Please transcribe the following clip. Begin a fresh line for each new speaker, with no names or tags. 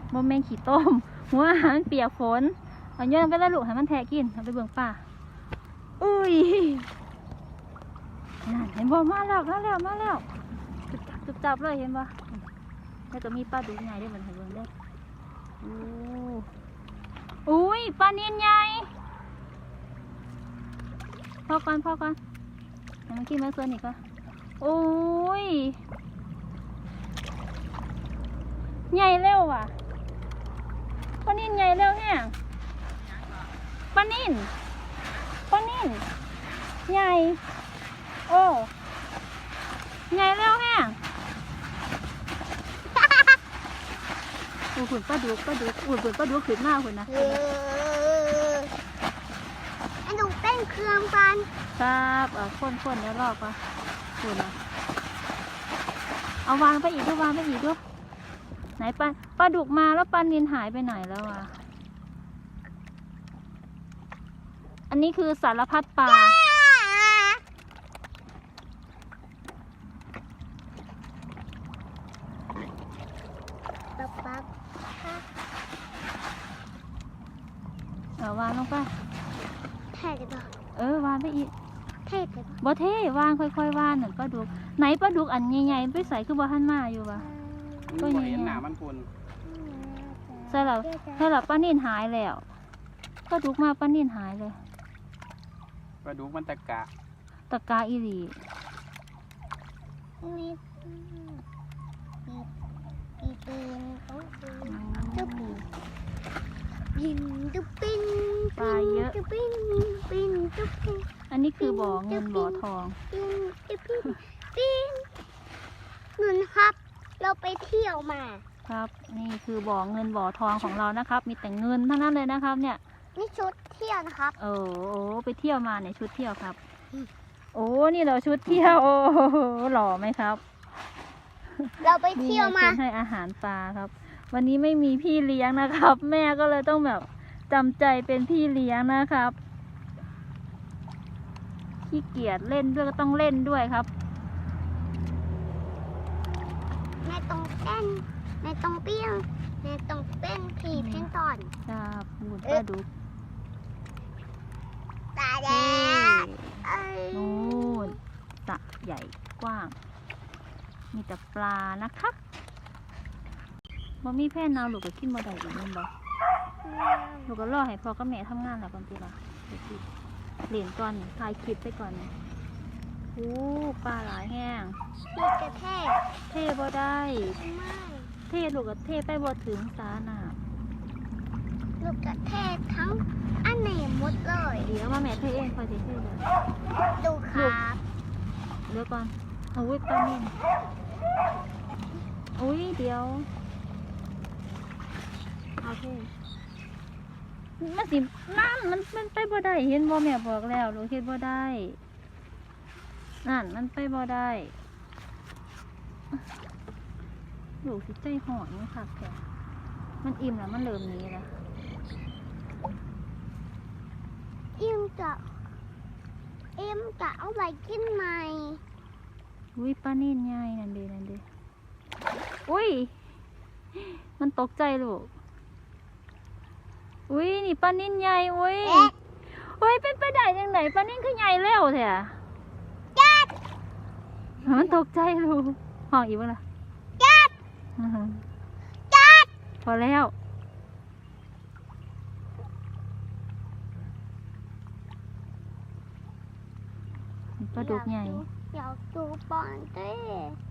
โมเมนขี้ต้มหัวอาหารเปียกฝนเอาโยนไปแล้วลูกให้มันแทะกินเอาไปเบิ่งป่าอุ้ยนั่นเห็นบ่มาแล้วจุบจับเลยเห็นบ่แล้วก็มีปลาดุกใหญ่ได้เหมือนเห็นเบิ่งได้อุ้ยปลาเนียนใหญ่พอก่อนให้มันกินมาส่วนอีกก็โอ้ยใหญ่เร็วว่ะปลานิ่นใหญ่เร็วแฮะปลานิ่นใหญ่โอ้ใหญ่เร็วแฮะหุ่นปลาดุกหุ่นปลาดุกขึ้นมากหุ่นนะ
ไอ้หนูเต้นเครื่องกัน
ครับคนแล้วรอบป่ะหุ่นนะเอาวางไปอีกด้วยไหนปลาดุกมาแล้วปลานิลหายไปไหนแล้วอ่ะอันนี้คือสารพัดปลาวางลงไป
เท่เลยป่ะ
วางไปอีก
เท่เลย
บ่เท่วางค่อยๆวางหนึ่งปลาดุกไหนปลาดุกอันใหญ่ๆไปใส่คือบ่หันมาอยู่วะ
ก็ใหญ่หนามันคุณ
ใช่แล้วปลานิ่นหายแล้วปลาดุกมาปลานิ่นหายเลย
ปลาดุกมันตะก
าอีหลี
ยินตุ๊บปิ้น
ปลาเยอะอันนี้คือบ่อเงินบ่อทอง
เงินครับเราไปเที่ยวมา
ครับนี่คือบ่อเงินบ่อทองของเรานะครับมีแต่เงินทั้งนั้นเลยนะครับเนี่ย
นี่ชุดเที่ยวนะครับ
โอ้ไปเที่ยวมาเนี่ยชุดเที่ยวครับโอ้นี่เราชุดเที่ยวโอ้หล่อไหมครับ
เราไปเที่ยวมา
ให้อาหารปลาครับวันนี้ไม่มีพี่เลี้ยงนะครับแม่ก็เลยต้องแบบจำใจเป็นพี่เลี้ยงนะครับขี้เกียจเล่นด้วยก็ต้องเล่นด้วยครับ
แม่ต้องเต้นแม่ต้องเปี้ยงแม่ต้องเต้นผีเพ่นตอน
ครับหุ่นปลาดุก
ตาแดง
นู่นสระใหญ่กว้างมีแต่ปลานะครับบ่มีแพ่นเอาลูกก็กินบ่ได้อีกนั่นบ่ลูกก็รอให้พ่อกับแม่ทำงานแล้วก่อนทีละเหรียญก่อนถ่ายคลิปไปก่อนปลาหลายแห้ง
ลูกกระ
เท่บ่ได้
ไม่
เท่ลูกก็เท่ไปบ่ถึงสาหนา
ลูกกระเทศทั้งอันไหนหมดเลย
เดี๋ยวมาแม่เท่เองคอยเท่เลย
ดูครับ
เดี๋ยวก่อนอุ้ยปลานิ่มอุ้ยเดี๋ยวโอเคมันสินั่นมันไปบ่ได้เห็นบ่แม่บอกแล้วลูกเห็นบ่ได้นั่นมันไปบ่ได้ลูกสิใจห่อนนี่ค่ะแกมันอิ่มแล้วมันเริ่มนี้แล้ว
อิ่มจะเอาไปกินใหม่
อุ้ยปลานิ่นใหญ่นั่นเด้อุ้ยมันตกใจลูกอุ้ยนี่ปลานิ่นใหญ่อุ้ยเป็นไปได้ยังไงปลานิ่นคือใหญ่เร็วแท้มันตกใจลูกห้องอีกบ้างล่ะพอแล้วปลาดุกใหญ่
อยากดูบอลเต้